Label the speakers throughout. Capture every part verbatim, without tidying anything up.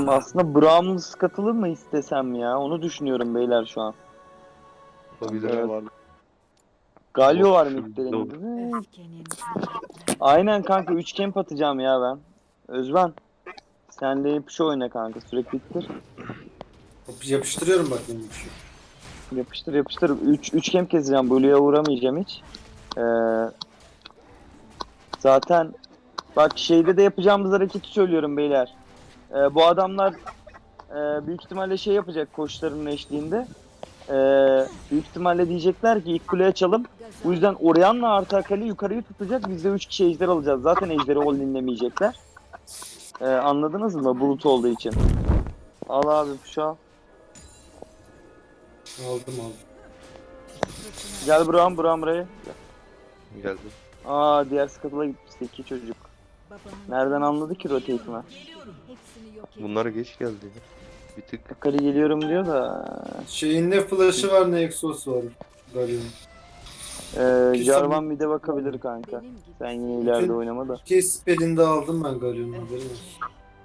Speaker 1: Hmm, aslında Brahms katılır mı istesem ya? Onu düşünüyorum beyler şu an.
Speaker 2: Olabilir.
Speaker 1: Evet.
Speaker 3: Var.
Speaker 1: Galio var
Speaker 2: Of,
Speaker 1: midlerinde.
Speaker 4: Öfkenin tırnakları.
Speaker 1: Aynen kanka üç camp atacağım ya ben. Özben. Sen de hep şu oyna kanka sürekli ittir.
Speaker 5: Yapıştırıyorum bak benim şu.
Speaker 1: Yapıştır yapıştır. üç üç camp keseceğim. Blue'ya uğramayacağım hiç. Ee, zaten bak şeyde de yapacağımız hareketi söylüyorum beyler. Ee, bu adamlar e, büyük ihtimalle şey yapacak koçlarının eşliğinde. Ee, büyük ihtimalle diyecekler ki ilk kule açalım. Bu yüzden Orianna artı Akali yukarıyı tutacak. Biz de üç kişi ejder alacağız. Zaten ejderi ol dinlemeyecekler. Ee, anladınız mı? Bulut olduğu için. Al abi şu an.
Speaker 5: Aldım aldım.
Speaker 1: Gel Burak'ım Burak'ım buraya.
Speaker 2: Geldi.
Speaker 1: Aa diğer skatıla gitmişti iki çocuk.
Speaker 4: Babanın
Speaker 1: Nereden anladı ki rotate'imi?
Speaker 4: hepsini yok
Speaker 2: Bunlar geç geldi. Bir tık.
Speaker 1: Akali geliyorum diyor da.
Speaker 5: Şeyin ne flash'ı var ne exos var. Galio'nun.
Speaker 1: Ee,
Speaker 5: İki
Speaker 1: Jarvan
Speaker 5: saniye-
Speaker 1: bir de bakabilir kanka.
Speaker 4: benim gibi.
Speaker 1: Sen yine ileride
Speaker 5: Bütün-
Speaker 1: oynama da.
Speaker 5: İki spell'ini de aldım ben Galio'nun haberin olsun.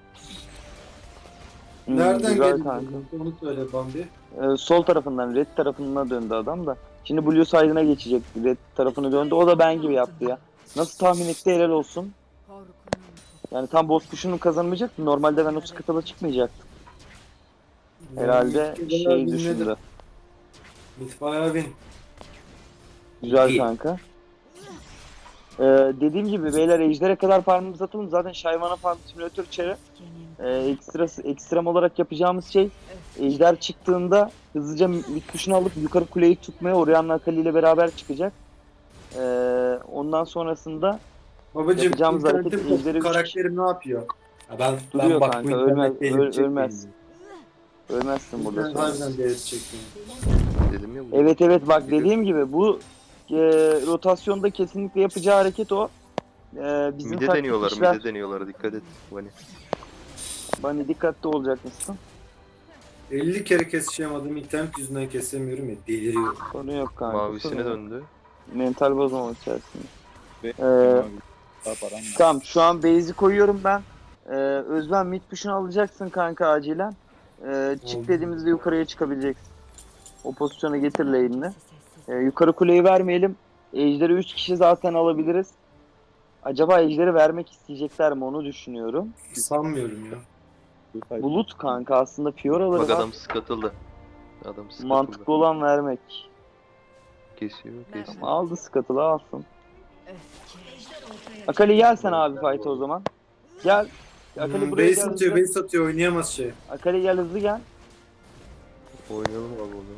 Speaker 1: Hmm,
Speaker 5: Nereden
Speaker 1: güzel
Speaker 5: geldi?
Speaker 1: kanka.
Speaker 5: Onu söyle Bambi.
Speaker 1: Ee, sol tarafından red tarafına döndü adam da. Şimdi blue side'ına geçecek. Red tarafını döndü. O da ben gibi yaptı ya. Nasıl tahmin etti helal olsun.
Speaker 4: Korkunun
Speaker 1: Yani tam boss push'unu kazanmayacaktı. Normalde ben o skatıla çıkmayacaktım. Herhalde
Speaker 5: Yani
Speaker 1: şey
Speaker 5: bilmedim.
Speaker 1: düşündü.
Speaker 5: Mid bayağı win.
Speaker 1: Güzel
Speaker 5: İyi.
Speaker 1: kanka. Ee, dediğim gibi beyler ejdere kadar farmımızı atalım. Zaten Shyvana farm simülatör çarı.
Speaker 4: öfkenin
Speaker 1: Ee, ekstrası, ekstrem olarak yapacağımız şey ejder çıktığında hızlıca mid tuşunu alıp yukarı kuleyi tutmaya Orianna Akali ile beraber çıkacak. Ee, ondan sonrasında
Speaker 5: Babacım
Speaker 1: Yapacağımız hareket
Speaker 5: internetim
Speaker 1: ejderi üç
Speaker 5: karakterim ne yapıyor? Ya ben
Speaker 1: Duruyor
Speaker 5: ben bak
Speaker 1: kanka,
Speaker 5: bu
Speaker 1: ölmez-
Speaker 5: internette elim
Speaker 1: öl-
Speaker 5: çekmeyin.
Speaker 1: ölmez. ölmezsin burada
Speaker 5: Ben
Speaker 1: sonra.
Speaker 5: harbiden değeri çekmiyorum.
Speaker 2: Dedim ya. bu-
Speaker 1: Evet evet bak
Speaker 2: Bir de-
Speaker 1: dediğim gibi bu e, rotasyonda kesinlikle yapacağı hareket o. E, bizim
Speaker 2: Mide
Speaker 1: taktik
Speaker 2: deniyorlar,
Speaker 1: işler.
Speaker 2: mide deniyorlar. Dikkat et. Hani
Speaker 1: Bani dikkatli olacak mısın?
Speaker 5: elli kere keseceğim adamı internet yüzünden kesemiyorum ya deliriyor.
Speaker 1: Sorun yok kanka.
Speaker 2: mavisine
Speaker 1: sorun yok.
Speaker 2: döndü.
Speaker 1: Mental bozmamak içerisinde.
Speaker 3: Ve
Speaker 1: Ee,
Speaker 3: daha param var.
Speaker 1: Tamam şu an base'i koyuyorum ben. Ee, Özlem mid push'unu alacaksın kanka acilen. Ee, çık
Speaker 5: Oldu.
Speaker 1: dediğimizde yukarıya çıkabileceksin. O pozisyona getir lane'ini. Ee, yukarı kuleyi vermeyelim. Ejder'i üç kişi zaten alabiliriz. Acaba Ejder'i vermek isteyecekler mi onu düşünüyorum.
Speaker 5: Sanmıyorum ya.
Speaker 1: Bulut kanka aslında Fiora'ları
Speaker 2: Bak
Speaker 1: var.
Speaker 2: adam skatıldı. Adam skatıldı.
Speaker 1: Mantıklı olan vermek.
Speaker 2: Kesiyor, kesiyor.
Speaker 1: Aldı skatılı alsın.
Speaker 4: öfke.
Speaker 1: Akali gel sen abi fight'a o zaman. Gel. Akali
Speaker 5: Hmm,
Speaker 1: buraya
Speaker 5: base
Speaker 1: gel.
Speaker 5: atıyor,
Speaker 1: hızlı.
Speaker 5: base atıyor oynayamaz şey.
Speaker 1: Akali gel hızlı gel.
Speaker 2: Oynayalım abi onu.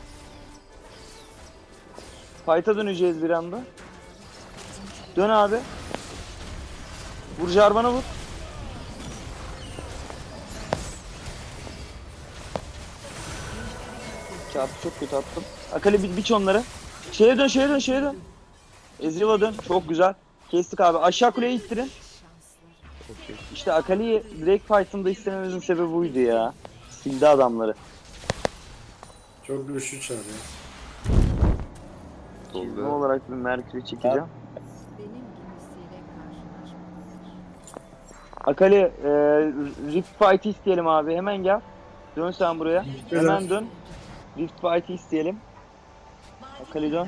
Speaker 1: Fight'a döneceğiz bir anda. Dön abi. Vur Jarvan'a vur. Çarpı çok kötü attım. Akali bir biç onları. Şeye dön şeye dön şeye dön. Ezreal'a dön. Çok güzel. Kestik abi. Aşağı kuleye ittirin.
Speaker 2: Okey.
Speaker 1: İşte Akali'yi direkt fight'ında istememizin sebebi buydu ya. Sildi adamları.
Speaker 5: Çok güçlü çağırıyor.
Speaker 1: Çizme
Speaker 2: Tolga.
Speaker 1: olarak bir Merkür'ü çekeceğim.
Speaker 4: Benim gibisiyle karşılaşmadılar.
Speaker 1: Akali e, Rift Fight'ı isteyelim abi. Hemen gel. Dön sen buraya. Hemen dön. Rift Fight'ı isteyelim. Akali dön.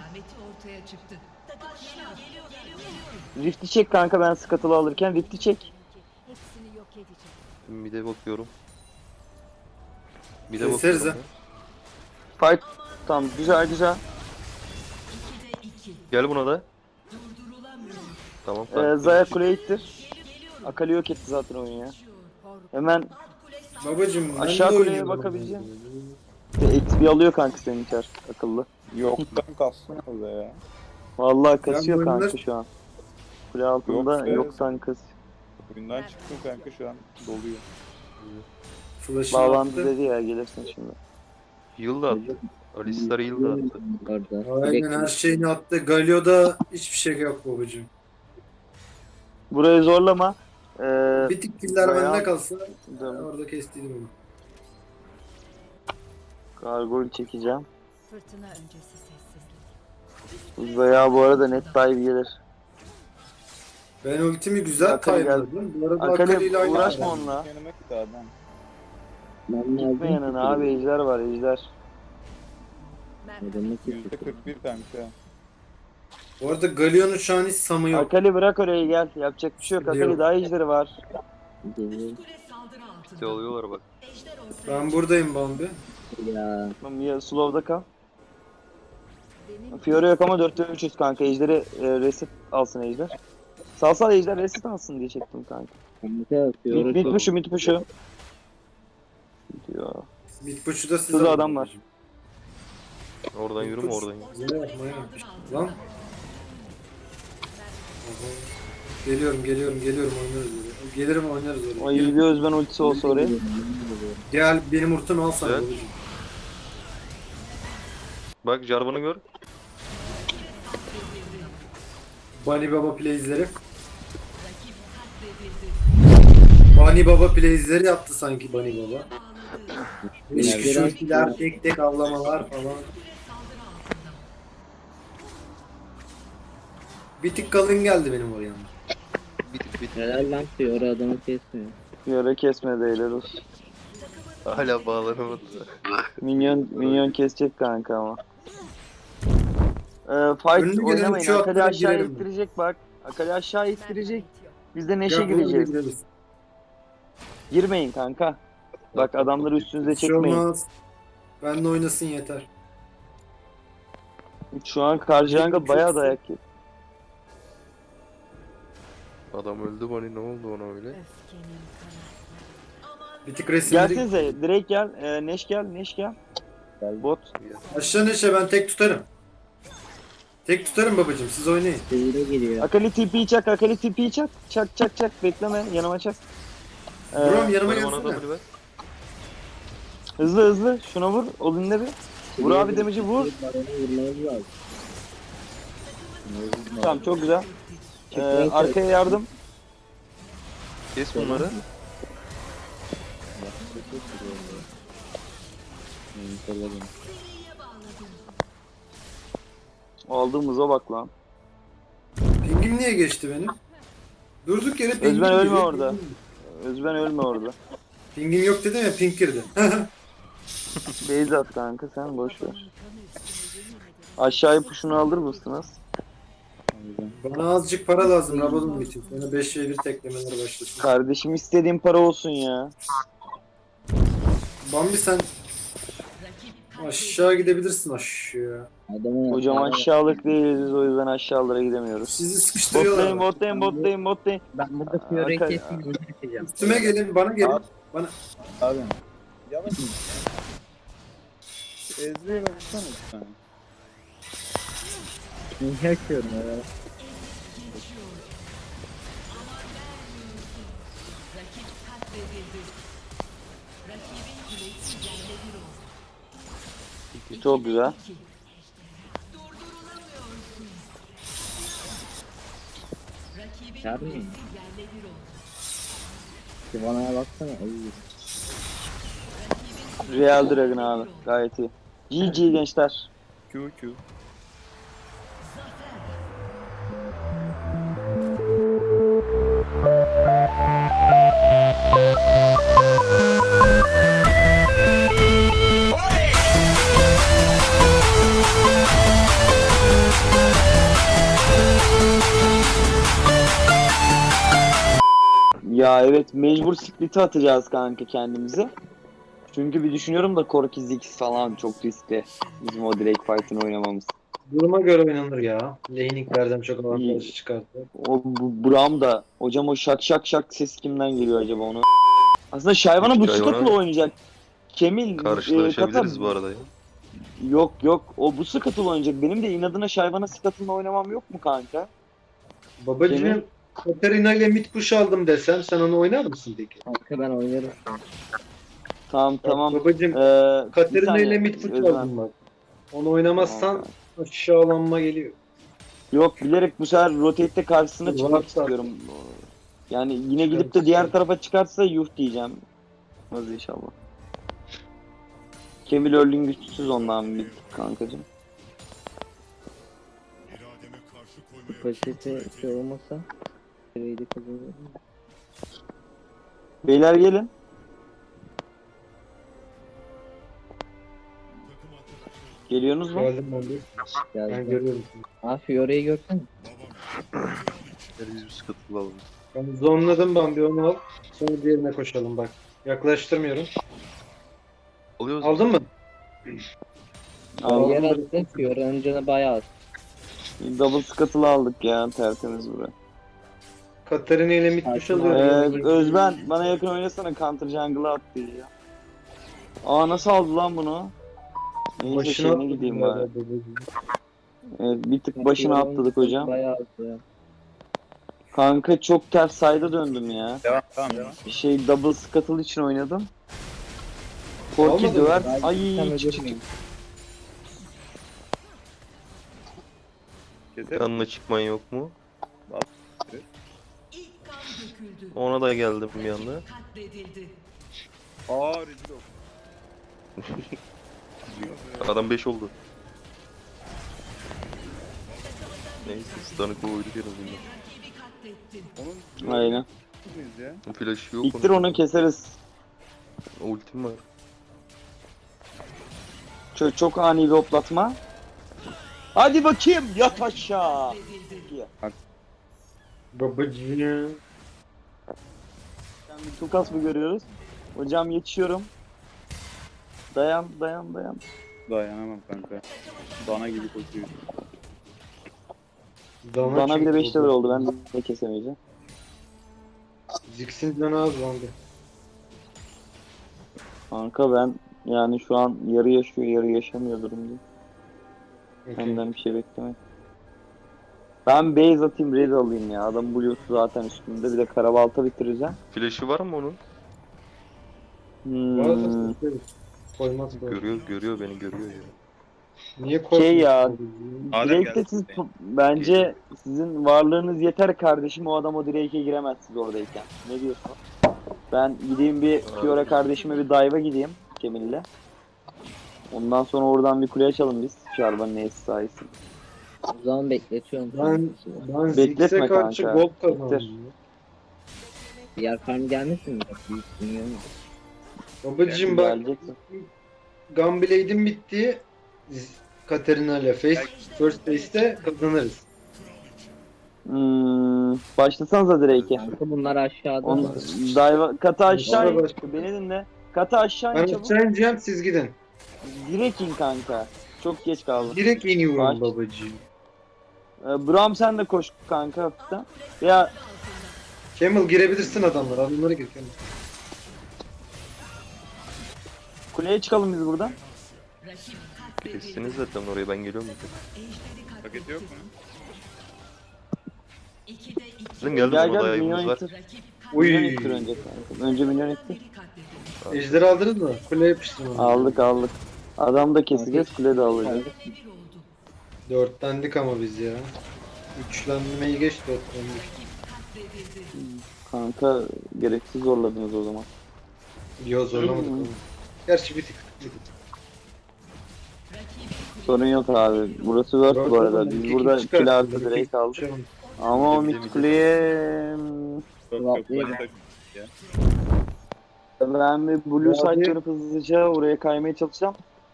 Speaker 1: Rift'i çek kanka ben skatılı alırken. Rift'i çek.
Speaker 4: Hepsini yok edeceğim.
Speaker 2: Mide bakıyorum. Mide
Speaker 5: Keseriz
Speaker 2: bakıyorum.
Speaker 5: ha.
Speaker 2: ya.
Speaker 1: Fight. Tamam güzel güzel.
Speaker 2: Gel buna da. Tamam.
Speaker 1: Ee,
Speaker 2: tamam.
Speaker 1: Zaya kuleye ittir. Akali yok etti zaten oyunu ya. Hemen
Speaker 5: Babacım ben
Speaker 1: Aşağı
Speaker 5: de
Speaker 1: kuleye
Speaker 5: oynuyorum.
Speaker 1: bakabileceğim. X P alıyor kanka senin içer akıllı.
Speaker 3: Yoktan kalsın orada ya.
Speaker 1: Vallahi kasıyor
Speaker 5: Ya bu
Speaker 1: kanka
Speaker 5: oyunlar-
Speaker 1: şu an. Kule altında
Speaker 3: Yoksa-
Speaker 1: yoktan kas.
Speaker 3: Oyundan çıktım kanka şu an doluyor.
Speaker 5: Flash'ını
Speaker 1: Bağlandı
Speaker 5: attı.
Speaker 1: dedi ya gelirsin şimdi.
Speaker 2: Heal da attı. Alistar heal da attı.
Speaker 5: Aynen her şeyini attı. Galio'da hiçbir şey yok babacım.
Speaker 1: Burayı zorlama. Ee,
Speaker 5: Bir tık killer
Speaker 1: bayağı-
Speaker 5: bende kalsa
Speaker 1: Dön.
Speaker 5: orada kestiydim onu.
Speaker 1: Gargoyle çekeceğim.
Speaker 4: Fırtına öncesi sessizlik.
Speaker 1: Zaya bu arada net dive gelir.
Speaker 5: Ben ultimi güzel
Speaker 1: Akali geldi.
Speaker 5: kaynadım. Bu arada Akali
Speaker 1: Akali
Speaker 5: ile aynı.
Speaker 1: uğraşma
Speaker 5: adam.
Speaker 1: onunla.
Speaker 3: Yanıma gitti adam.
Speaker 1: Gitme yanına abi, ejder var ejder.
Speaker 3: Yüzde kırk bir kanka.
Speaker 5: Bu arada Galion'un şu an hiç samı yok.
Speaker 1: Akali bırak oraya gel. Yapacak bir şey yok.
Speaker 5: Biliyorum.
Speaker 1: Akali daha ejderi var.
Speaker 2: İşte oluyorlar bak.
Speaker 5: Ben buradayım Bambi.
Speaker 1: Tamam ya, slow'da kal. Fiora yok ama dörtte üçüz kanka. Ejderi e, reset alsın ejder. Sal sal ejder reset alsın diye çektim kanka. Mid, mid pushu mid pushu. Diyor.
Speaker 5: Bitbuç'u da size
Speaker 1: Şurada
Speaker 5: aldım
Speaker 1: adam var.
Speaker 5: babacım.
Speaker 2: Oradan yürüme oradan yürü.
Speaker 5: Yine yapma ya. Lan. Aha. Geliyorum geliyorum geliyorum oynarız oraya. Gelirim oynarız oraya.
Speaker 1: Ay bir Özben ultisi olsa oraya.
Speaker 5: Gel benim ultimi al sana
Speaker 2: Evet.
Speaker 5: babacım.
Speaker 2: Bak Jarvan'ı gör.
Speaker 5: Bunny Baba plays'leri. Bunny Baba plays'leri yaptı sanki Bunny Baba. Hiç küçültüler, tek tek avlamalar falan. Bir tık kalın geldi benim oraya.
Speaker 2: Bit bit.
Speaker 6: Helal lan diyor adamı kesmiyor.
Speaker 1: Fiora kesmedi helal olsun.
Speaker 2: Hala bağlanamadı.
Speaker 1: Minyon, minyon kesecek kanka ama. Ee, fight
Speaker 5: Önünü gelen
Speaker 1: oynamayın.
Speaker 5: uçağı
Speaker 1: Akali
Speaker 5: atlayarak
Speaker 1: aşağı
Speaker 5: girelim.
Speaker 1: ittirecek bak. Akali aşağı ittirecek. Biz de neşe
Speaker 5: Gel, buraya
Speaker 1: gireceğiz.
Speaker 5: gireriz.
Speaker 1: Girmeyin kanka. Bak adamları üstünüze
Speaker 5: Bir şey
Speaker 1: çekmeyin.
Speaker 5: olmaz. Ben de oynasın yeter.
Speaker 1: Şu an Karjanga bayağı dayak yedi.
Speaker 2: Adam öldü bana, ne oldu ona öyle?
Speaker 4: Öfkenin kanatları.
Speaker 5: Bir tık resimleri.
Speaker 1: Gelsenize direkt gel. Ee, Neş gel. Neş gel. Bot.
Speaker 5: Aşağı neşe ben tek tutarım. Tek tutarım babacım siz oynayın.
Speaker 6: Seyire giriyor.
Speaker 1: Akali tipiyi çak. Akali tipiyi çak. Çak çak çak. Bekleme. Yanıma çak. Ee,
Speaker 5: Buram yanıma
Speaker 2: Bana bana
Speaker 5: gelsene.
Speaker 2: W ver.
Speaker 1: hızlı hızlı. Şuna vur. Olun'da bir. Vur abi damage'i vur.
Speaker 6: Baronu vurmamız lazım.
Speaker 1: Tamam çok güzel. Ee, arkaya yardım.
Speaker 2: Kes bunları.
Speaker 1: Aldığımıza bak lan.
Speaker 5: Pingim niye geçti benim? Durduk yere pingim
Speaker 1: Özben ölme
Speaker 5: giriyor.
Speaker 1: orada. Özben ölme orada.
Speaker 5: Pingim yok dedim ya ping girdi.
Speaker 1: Beyz at kanka sen boş ver. Aşağıya puşunu alır mısınız?
Speaker 5: Bana azıcık para lazım Rabadon için. Sana beş ve bir teklemeler başlasın.
Speaker 1: Kardeşim istediğin para olsun ya.
Speaker 5: Bambi sen aşağı gidebilirsin aşağı.
Speaker 6: Adamı
Speaker 1: Hocam aşağılık değiliz biz, o yüzden aşağılara gidemiyoruz.
Speaker 5: Sizi
Speaker 1: Bottayım
Speaker 5: sıkıştırıyorlar.
Speaker 1: bottayım bottayım bottayım.
Speaker 6: Ben burada Fiora'yı
Speaker 1: Aka-
Speaker 6: keseyim onu keseceğim.
Speaker 5: Üstüme gelin bana gelin. Bana
Speaker 3: Abi. Yavaş. Ezreal'e vursana bir tane.
Speaker 6: Niye açıyorum ya?
Speaker 1: Çok güzel.
Speaker 6: Çağır mıyım? Sivana'ya baksana. Ay.
Speaker 1: Real Dragon abi gayet iyi. G G gençler.
Speaker 3: Q Q.
Speaker 1: Ya evet mecbur split'i atacağız kanka kendimize. Çünkü bir düşünüyorum da Korki Ziggs falan çok riskli. Bizim o direkt fight'ını oynamamız.
Speaker 5: duruma göre oynanır ya. Laning'lerden çok avantajı çıkarttı.
Speaker 1: O bu, Braum da hocam o şak şak şak ses kimden geliyor acaba onu? Aslında Shyvana bu
Speaker 2: Shyvana-
Speaker 1: Scuttle'la oynayacak. Kemil
Speaker 2: Karşılaşabiliriz
Speaker 1: Kata-
Speaker 2: bu arada ya.
Speaker 1: Yok yok o bu Scuttle oynayacak. Benim de inadına Shyvana Scuttle'la oynamam yok mu kanka?
Speaker 5: Babacığım
Speaker 1: Kimin?
Speaker 5: Katarina ile mid push aldım desem sen onu oynar mısın peki?
Speaker 6: Kanka ben oynarım.
Speaker 1: Tamam tamam.
Speaker 5: Babacığım
Speaker 1: Ee, bir
Speaker 5: Katarina
Speaker 1: saniye,
Speaker 5: ile mid push
Speaker 1: Özlem.
Speaker 5: aldım bak. Onu oynamazsan
Speaker 1: Tamam.
Speaker 5: aşağılanma geliyor.
Speaker 1: Yok bilerek bu sefer rotate'de karşısına
Speaker 5: Var
Speaker 1: çıkmak
Speaker 5: zaten.
Speaker 1: istiyorum. Yani yine gidip de diğer tarafa çıkarsa yuh diyeceğim. Hadi inşallah. Kemil Örlin güçsüz ondan bir kankacım.
Speaker 6: Kapasite şey olmasa Fiora'yı da kazanırım.
Speaker 1: Beyler gelin. Geliyorsunuz mu?
Speaker 5: Geldim ben de. Ben
Speaker 6: Geldi.
Speaker 5: görüyorum seni.
Speaker 6: Aa Fiore'yi görsene.
Speaker 2: Hadi biz bir sıkıntılı alalım.
Speaker 5: Ben zonladım, ben bir onu al. Sonra diğerine koşalım bak. Yaklaştırmıyorum.
Speaker 2: Alıyoruz.
Speaker 5: Aldın mı?
Speaker 1: Aldım.
Speaker 6: Yer attı. Fiore'nin canı bayağı az.
Speaker 1: Double scuttle'ı aldık ya, tertemiz buraya.
Speaker 5: Katarina ile mid push alıyorum.
Speaker 1: Ee, Özben bana yakın oynasana, counter jungle'ı attı ya. Aa nasıl aldı lan bunu? Neyse
Speaker 5: Başına
Speaker 1: şeyine
Speaker 5: atladım
Speaker 1: gideyim
Speaker 5: ya
Speaker 1: bari.
Speaker 5: da babacığım.
Speaker 1: Evet, bir tık başına
Speaker 6: Fiore'nin
Speaker 1: atladık
Speaker 6: canı
Speaker 1: hocam.
Speaker 6: Bayağı az ya.
Speaker 1: Kanka çok ters side'a döndüm ya.
Speaker 3: Devam tamam devam.
Speaker 1: Şey double scuttle için oynadım. Korki
Speaker 5: Olmadı mı?
Speaker 1: döver.
Speaker 6: Ben
Speaker 1: Ay
Speaker 6: gitsem
Speaker 1: çık çık.
Speaker 6: ölürüm.
Speaker 3: Keser.
Speaker 2: Yanına çıkman yok mu?
Speaker 4: İlk kan döküldü.
Speaker 2: Ona da geldim bir anda.
Speaker 4: Katledildi.
Speaker 3: Aa rezil oldu.
Speaker 2: Adam beş oldu. Neyse stun'ı koyduk en azından.
Speaker 4: Rakibi katlettin.
Speaker 3: Onun
Speaker 1: Aynen.
Speaker 3: muyuz ya?
Speaker 2: Flash yok.
Speaker 1: İttir
Speaker 2: onun.
Speaker 1: onu keseriz.
Speaker 2: Ultim var.
Speaker 1: Çok, çok ani bir hoplatma. Hadi bakayım yat aşağı.
Speaker 4: Katledildi.
Speaker 5: Babacığım.
Speaker 1: Yani bir tukas mı görüyoruz? Hocam yetişiyorum. Dayan dayan dayan.
Speaker 3: Dayanamam kanka. Dana gibi koşuyor.
Speaker 1: Bana bir de
Speaker 5: çünkü
Speaker 1: beş level
Speaker 5: oldu.
Speaker 1: oldu, ben de kesemeyeceğim.
Speaker 5: Ziggs'in canı az bandı.
Speaker 1: Kanka ben yani şu an yarı yaşıyor yarı yaşamıyor durumda.
Speaker 5: Okay.
Speaker 1: Benden bir şey beklemek. Ben base atayım, raid alayım ya. Adam blue'su zaten üstünde, bir de karabalta bitireceğim.
Speaker 2: Flash'ı var mı onun?
Speaker 1: Hmm.
Speaker 5: Bazı sesleri koymaz böyle.
Speaker 2: Görüyor, görüyor beni görüyor ya.
Speaker 5: Niye korkuyorsun?
Speaker 1: Şey ya,
Speaker 5: babacığım?
Speaker 3: Adem
Speaker 1: Drake'de
Speaker 3: gelsin.
Speaker 1: siz bence sizin varlığınız yeter kardeşim, o adam o Drake'e giremez siz oradayken. Ne diyorsun? Ben gideyim bir Fiora kardeşime bir dive'a gideyim Cemil'le. Ondan sonra oradan bir kule açalım biz. Şarbanın neyse sayesinde.
Speaker 6: O zaman bekletiyorum.
Speaker 5: Ben, ben
Speaker 1: Bekletme
Speaker 5: Ziggs'e karşı
Speaker 1: kanka.
Speaker 5: gold kazandım.
Speaker 1: Bitir.
Speaker 5: ya.
Speaker 6: Diğer farm gelmesin mi? Büyük dünya mı?
Speaker 5: Babacığım bak,
Speaker 1: Geleceksin.
Speaker 5: Gunblade'im bitti. Z- Katarina ile face, first face'te kazanırız.
Speaker 1: Hmm, başlasanıza Drake'e.
Speaker 6: Kanka bunlar aşağıda.
Speaker 1: Onu dive katı aşağı in.
Speaker 5: Başka-
Speaker 1: Beni dinle. Katı aşağı in
Speaker 5: Ben
Speaker 1: çabuk.
Speaker 5: aşağı ineceğim, siz gidin.
Speaker 1: Direkt in kanka. Çok geç kaldı.
Speaker 5: Direkt iniyorum
Speaker 1: Baş-
Speaker 5: babacığım.
Speaker 1: Ee, Bram sen de koş kanka hafiften. Ya
Speaker 5: Camel girebilirsin adamlar, adamlara gir Camel.
Speaker 1: kuleye çıkalım biz buradan.
Speaker 4: Rakip katledildi.
Speaker 2: Kestiniz zaten oraya, ben geliyorum.
Speaker 4: Ejderi
Speaker 3: Paket yok mu?
Speaker 4: İkide iki.
Speaker 2: Bizim geldi
Speaker 1: Gel
Speaker 2: buna da
Speaker 1: gel minyon
Speaker 2: ayımız var.
Speaker 1: ittir.
Speaker 4: Rakip
Speaker 5: Uy.
Speaker 1: Minyon ittir önce kanka. Önce minyon ittir.
Speaker 4: biri katledildi.
Speaker 5: Ejderi aldınız mı? Kule yapıştırın onu.
Speaker 1: Aldık aldık. Adam da keseceğiz, kule de alacağız.
Speaker 4: Bir oldu.
Speaker 5: Dörtlendik ama biz ya. Üçlenmeyi geç dörtlendik.
Speaker 4: Rakip katledildi.
Speaker 1: Kanka gereksiz zorladınız o zaman.
Speaker 5: Yo zorlamadık
Speaker 1: Hmm.
Speaker 5: onu. Gerçi bir tık. Bir tık.
Speaker 4: Rakibi
Speaker 1: Sorun yok abi. Burası Word bu arada. Biz
Speaker 5: İki
Speaker 1: burada
Speaker 5: kişi çıkar.
Speaker 1: kill artı
Speaker 5: İki
Speaker 1: Drake
Speaker 5: kişi
Speaker 1: aldık.
Speaker 5: çıkar.
Speaker 1: Ama o
Speaker 2: Bir de
Speaker 1: mid
Speaker 2: bir de-
Speaker 1: kuleye...
Speaker 3: Yok yok.
Speaker 6: Rahatlayın.
Speaker 3: başka-
Speaker 1: Ben bir blue
Speaker 5: Abi-
Speaker 1: side dönüp hızlıca oraya kaymaya çalışacağım.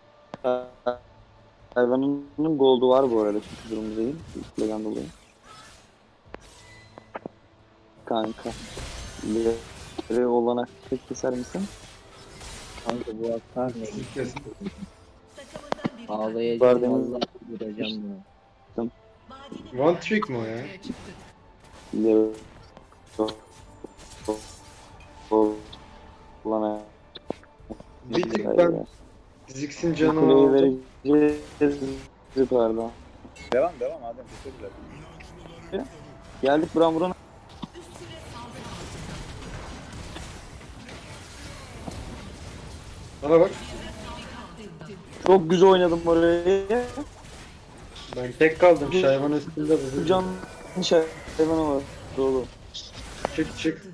Speaker 1: Hayvanın gold'u var bu arada, çünkü durumda değil. Kuleden dolayı. Kanka. Bir olanak tek keser misin?
Speaker 6: Kanka bu atar ne?
Speaker 5: Kesin.
Speaker 4: takımından biri
Speaker 1: Var
Speaker 6: Ağlayacağım
Speaker 1: değil mi?
Speaker 6: vallahi vuracağım ya.
Speaker 4: Vadinin
Speaker 5: One trick mi o ya?
Speaker 4: ortaya çıktı.
Speaker 1: Olanak.
Speaker 5: Bir tık ben Ziggs'in canını
Speaker 1: Kuleyi
Speaker 5: aldım.
Speaker 1: vereceğiz yukarıdan.
Speaker 3: Devam devam Adem keser
Speaker 1: Geldik buran buran.
Speaker 5: Bana bak.
Speaker 1: Çok güzel oynadım orayı.
Speaker 5: Ben tek kaldım. Şayvan üstünde
Speaker 1: Bu
Speaker 5: bu.
Speaker 1: can hayvanı var. Dolu.
Speaker 5: Çık çık.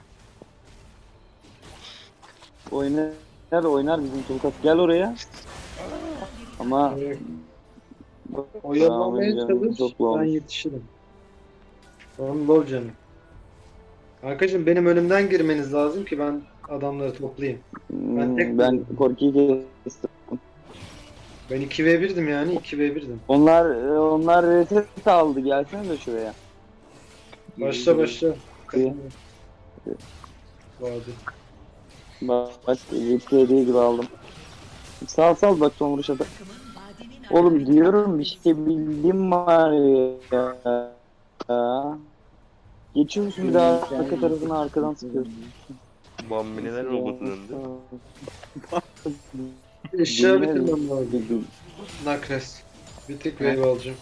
Speaker 1: Oynar oynar bizim Tulkat. Gel oraya. Ama
Speaker 5: Oyalamaya
Speaker 1: Tamam,
Speaker 5: çalış.
Speaker 1: çok
Speaker 5: Ben
Speaker 1: olmuş.
Speaker 5: yetişirim. Tamam low canım. Arkadaşım benim önümden girmeniz lazım ki ben adamları toplayayım.
Speaker 1: ben,
Speaker 5: tek
Speaker 1: ben Korki'yi kestim.
Speaker 5: Ben iki ve birdim yani iki ve birdim.
Speaker 1: Onlar e, onlar reset aldı. Gelsene de şuraya.
Speaker 5: Başla başla.
Speaker 1: İyi.
Speaker 5: Vadi.
Speaker 1: Bak bak yedi hediye gibi aldım. Sal sal bak son vuruş atar. Oğlum diyorum bir şey bildiğim var ya. Geçiyor musun bir daha arka tarafına arkadan sıkıyorsun.
Speaker 2: Bambi neler oldu döndü.
Speaker 5: Eşya bitirmem lazım. Nakres. Bir tek wave alacağım.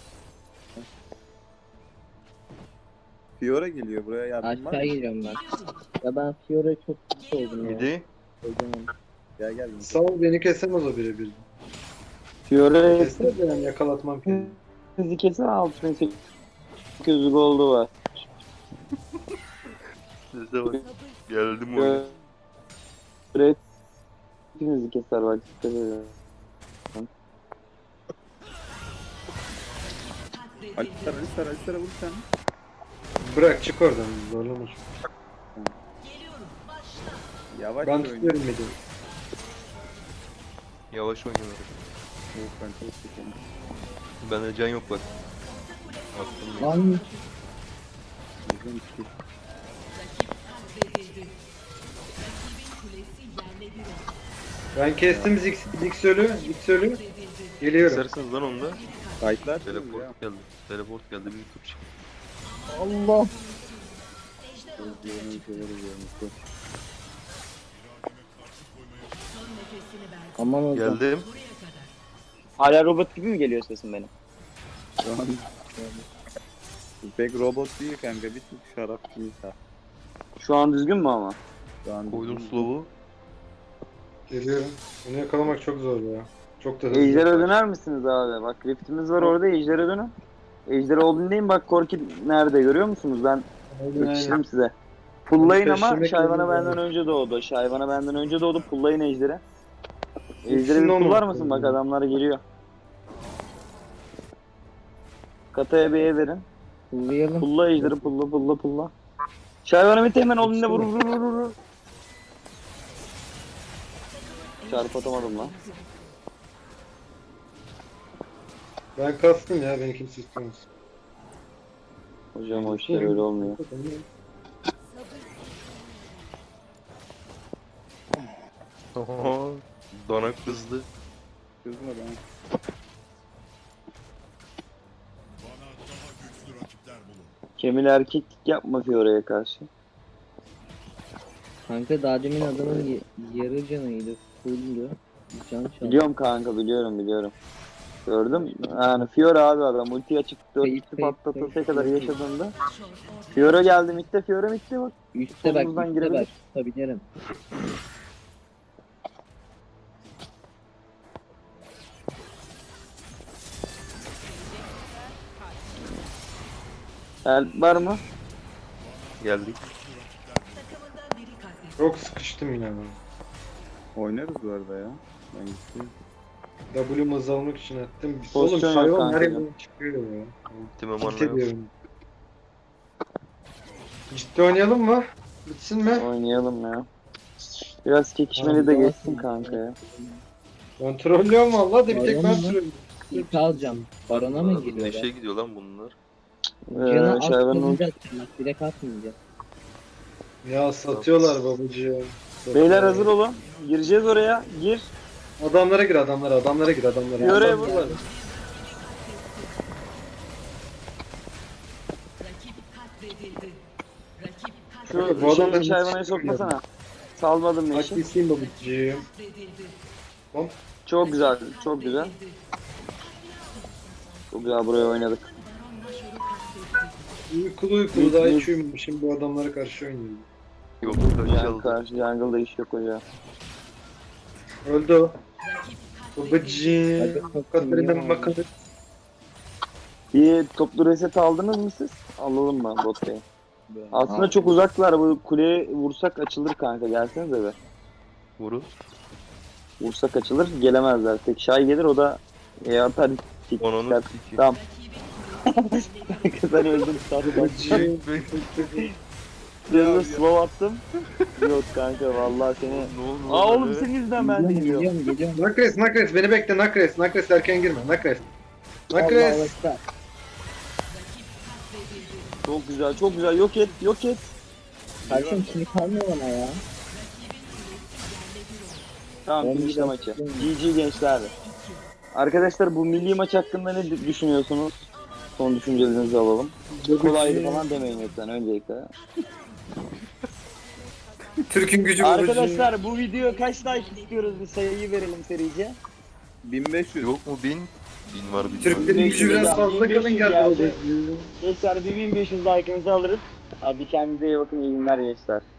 Speaker 3: Fiora geliyor buraya yardım var
Speaker 6: Aşağı
Speaker 3: mı?
Speaker 6: geliyorum ben. Ya ben Fiora'ya çok kötü oldum ya.
Speaker 2: Midi.
Speaker 6: Kocaman.
Speaker 3: Gel gel.
Speaker 5: Sağ ol beni kesemez o birebir.
Speaker 1: Fiore
Speaker 5: Keser de yani yakalatmam kendimi.
Speaker 1: sizi kesin altı bin sekiz yüz goldu var.
Speaker 2: Size bak. Geldim oyuna.
Speaker 1: Red hepinizi keser bak. Dikkat edin.
Speaker 3: Alistar Alistar Alistar'a vur sen.
Speaker 5: Bırak çık oradan zorlama.
Speaker 3: Yavaş
Speaker 5: Ben
Speaker 3: oyna.
Speaker 5: tutuyorum midi.
Speaker 2: Yavaş oynayalım.
Speaker 3: Yok ben çok sıkıyorum.
Speaker 2: Bende can yok bak. Attım ya.
Speaker 6: Lan
Speaker 3: Bizim iki.
Speaker 5: Ben kestim Zix, Zix ölü, Zix ölü. Geliyorum.
Speaker 2: İsterseniz lan onda.
Speaker 3: Fightlar ya.
Speaker 2: Teleport geldi. Teleport geldi. Bir tur çık.
Speaker 6: Allah.
Speaker 3: Özgürlüğünü severiz ya Mustafa.
Speaker 6: Aman hocam.
Speaker 2: Geldim.
Speaker 1: Hala robot gibi mi geliyor sesim benim?
Speaker 3: Şu an pek robot değil kanka, bir tık şarap değil ha.
Speaker 1: Şu an düzgün mü ama?
Speaker 3: Şu an
Speaker 2: Koydum slow'u.
Speaker 5: Geliyorum. Bunu yakalamak çok zor ya. Çok da hızlı.
Speaker 1: Ejder'e döner misiniz abi? Bak riftimiz var orada Ejder'e dönün. Ejder olduğunu deyin bak Korki nerede görüyor musunuz? Ben
Speaker 5: Aynen,
Speaker 1: yetiştirim
Speaker 5: aynen.
Speaker 1: size. Pullayın ama
Speaker 5: Peşlemek
Speaker 1: Şayvan'a
Speaker 5: lazım
Speaker 1: benden
Speaker 5: yani.
Speaker 1: önce doğdu. Şayvan'a benden önce doğdu. Pullayın Ejder'e. Ejder'e
Speaker 5: İkisinin
Speaker 1: bir pullar
Speaker 5: olmaması
Speaker 1: mısın? Bak
Speaker 5: lazım.
Speaker 1: adamlar geliyor. Kataya B'ye verin.
Speaker 6: Kullayalım.
Speaker 1: Pulla Ejder'i pulla pulla pulla. Şayvan'a bir hemen onunla vur vur vur vur. Çarpı atamadım lan.
Speaker 5: Ben kastım ya, beni kimse istemez.
Speaker 1: Hocam o işler öyle olmuyor.
Speaker 2: Oho. Donak kızdı.
Speaker 3: kızma ben.
Speaker 1: Kemil erkeklik yapma Fiore'ye karşı.
Speaker 6: Kanka daha demin adamın y- yarı canıydı. Fulldü. Can çaldı.
Speaker 1: Biliyorum kanka biliyorum biliyorum. Gördüm. Yani Fiore abi adam ulti açık dört
Speaker 6: Kayıp,
Speaker 1: kişi
Speaker 6: kayıp,
Speaker 1: patlatılsa
Speaker 6: kayıp,
Speaker 1: kadar
Speaker 6: kayıp.
Speaker 1: yaşadığında Fiore geldi midde Fiore midde bak.
Speaker 6: Üste bak,
Speaker 1: Solumuzdan
Speaker 6: üste
Speaker 1: girebilir.
Speaker 6: bak. Tutabilirim.
Speaker 1: Help var mı?
Speaker 2: Geldik.
Speaker 5: Çok sıkıştım yine ben.
Speaker 3: Oynarız bu arada ya. Ben gittim.
Speaker 5: W'mu hız almak için attım.
Speaker 1: Pozisyon
Speaker 5: Oğlum
Speaker 1: yok
Speaker 5: hayvan
Speaker 1: kanka.
Speaker 5: nereye çıkıyor ya.
Speaker 2: Tim'e
Speaker 5: Git
Speaker 2: manla yok.
Speaker 5: ediyorum. Ciddi oynayalım mı? Bitsin mi?
Speaker 1: Oynayalım ya. Biraz çekişmeli
Speaker 5: Tamam,
Speaker 1: de
Speaker 5: tamam.
Speaker 1: geçsin kanka ya.
Speaker 5: Ben trollüyorum valla da bir tek ben
Speaker 6: Baron mu?
Speaker 5: trollüyorum.
Speaker 6: İlk alacağım. Barona mı giriyor?
Speaker 2: Neşe gidiyor lan bunlar.
Speaker 6: Canı
Speaker 1: Ee,
Speaker 6: az
Speaker 1: Şayvan'ın
Speaker 6: kalınca atacağım. Bak direkt atmayacağım.
Speaker 5: Ya satıyorlar babacığım.
Speaker 1: Beyler hazır olun. Gireceğiz oraya. Gir.
Speaker 5: Adamlara gir adamlara, adamlara gir adamlara.
Speaker 1: Fiore'ye
Speaker 5: Adam-
Speaker 1: vur.
Speaker 4: Rakip katledildi. Rakip
Speaker 1: Şu
Speaker 5: Bu
Speaker 1: bu
Speaker 5: adamlar
Speaker 1: şeyi Şayvan'a sokmasana. Salmadım Neşe.
Speaker 5: Haklısın babacığım.
Speaker 4: katledildi.
Speaker 1: Çok güzel. Çok güzel. Çok güzel buraya oynadık.
Speaker 5: Uykulu uykulu daha hiç uyumamışım, bu adamlara karşı oynuyorum.
Speaker 2: Yok kaç
Speaker 1: Yani
Speaker 2: çaldı.
Speaker 1: karşı jungle'da iş yok hocam.
Speaker 5: Öldü o.
Speaker 4: Rakip
Speaker 5: Babacığım.
Speaker 6: Hadi
Speaker 5: Katarina
Speaker 6: bakayım.
Speaker 5: bakalım.
Speaker 1: Bir toplu reset aldınız mı siz? Alalım mı bot bey? Aslında
Speaker 6: Aldım.
Speaker 1: çok uzaklar. Bu kuleye vursak açılır kanka. Gelsenize be.
Speaker 2: Vurun.
Speaker 1: Vursak açılır. Gelemezler. Tek Şay gelir o da e, atar. tik
Speaker 2: Onunu
Speaker 1: tikler.
Speaker 2: iki.
Speaker 1: Tamam. Sen öldün. Sarı bak.
Speaker 5: Babacığım.
Speaker 1: Yanına slow attım. Yok kanka vallahi seni.
Speaker 2: Ne oldu?
Speaker 1: Aa
Speaker 2: lan
Speaker 1: oğlum
Speaker 2: öyle?
Speaker 1: senin yüzünden ben de
Speaker 6: Geliyorum
Speaker 1: gidiyorum.
Speaker 6: geliyorum geliyorum.
Speaker 5: Nakres Nakres beni bekle Nakres. Nakres erken girme Nakres.
Speaker 6: Allah
Speaker 5: Nakres.
Speaker 6: Allah.
Speaker 1: Çok güzel çok güzel yok et yok et.
Speaker 6: Kardeşim şimdi kalmıyor bana ya.
Speaker 1: Tamam
Speaker 6: Ben
Speaker 1: finişle
Speaker 6: bir
Speaker 1: maçı.
Speaker 6: dakika-
Speaker 1: G G gençler. Arkadaşlar bu milli maç hakkında ne düşünüyorsunuz? Son düşüncelerinizi alalım. Kolaydı falan demeyin lütfen öncelikle.
Speaker 5: Türk'ün gücü babacığım.
Speaker 1: Arkadaşlar bu video kaç like istiyoruz bir sayıyı verelim serice.
Speaker 3: bin beş yüz.
Speaker 2: Yok mu bin? Bin var bin var.
Speaker 5: Türklerin gücü biraz fazla kalın geldi babacığım.
Speaker 1: Gençler bir bin beş yüz like'ınızı alırız. Hadi kendinize iyi bakın iyi günler gençler.